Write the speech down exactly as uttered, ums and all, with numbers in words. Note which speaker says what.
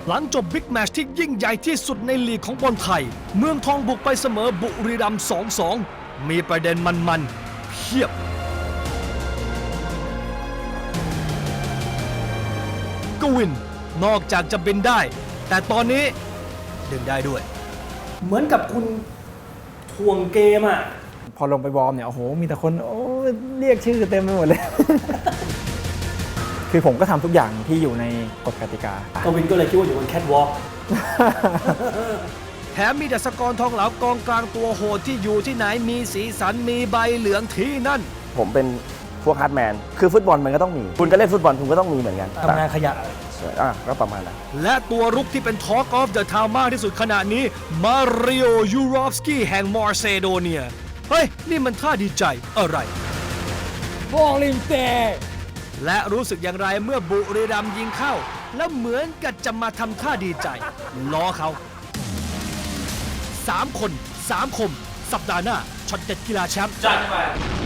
Speaker 1: หลังจบบิ๊กแมตช์ที่ยิ่งใหญ่ที่สุดในลีกของบอลไทยเมืองทองบุกไปเสมอบุรีรัมย์ สองสอง มีประเด็นมันๆเพียบกวินนอกจากจะบินได้แต่ตอนนี้ดึงได้ด้วยเหมือนกับคุณทวงเกมอ่ะ
Speaker 2: พอลงไปวอร์มเนี่ยโอ้โหมีแต่คนโอ้เรียกชื่อเต็มไปหมดเลย คือผมก็ทำทุกอย่างที่อยู่ในกฎกติกาก
Speaker 1: วินก็เลยคิดว่าอยู่บนแคทวอล์กแถมมีดัชกรทองเหลากองกลางตัวโหดที่อยู่ที่ไหนมีสีสันมีใบเหลืองที่นั่น
Speaker 3: ผมเป็นพวกฮาร์ดแมนคือฟุตบอลมันก็ต้องมีคุณจะเล่นฟุตบอลคุณก็ต้องมีเหมือนกัน
Speaker 1: ทำงานขยะ
Speaker 3: อ่ะก็ประมาณนั้น
Speaker 1: และตัวรุกที่เป็น Talk of the Town มากที่สุดขณะนี้มาริโอ ยูรอฟสกี้แห่งมาร์เซโดเนียเฮ้ยนี่มันท่าดีใจอะไร
Speaker 2: บอลลิมเต
Speaker 1: และรู้สึกอย่างไรเมื่อบุรีรัมย์ยิงเข้าแล้วเหมือนกับจะมาทำท่าดีใจล้อเขาสามคนสามคมสัปดาห์หน้าช็อตเด็ดกีฬาแชมป์จัดไป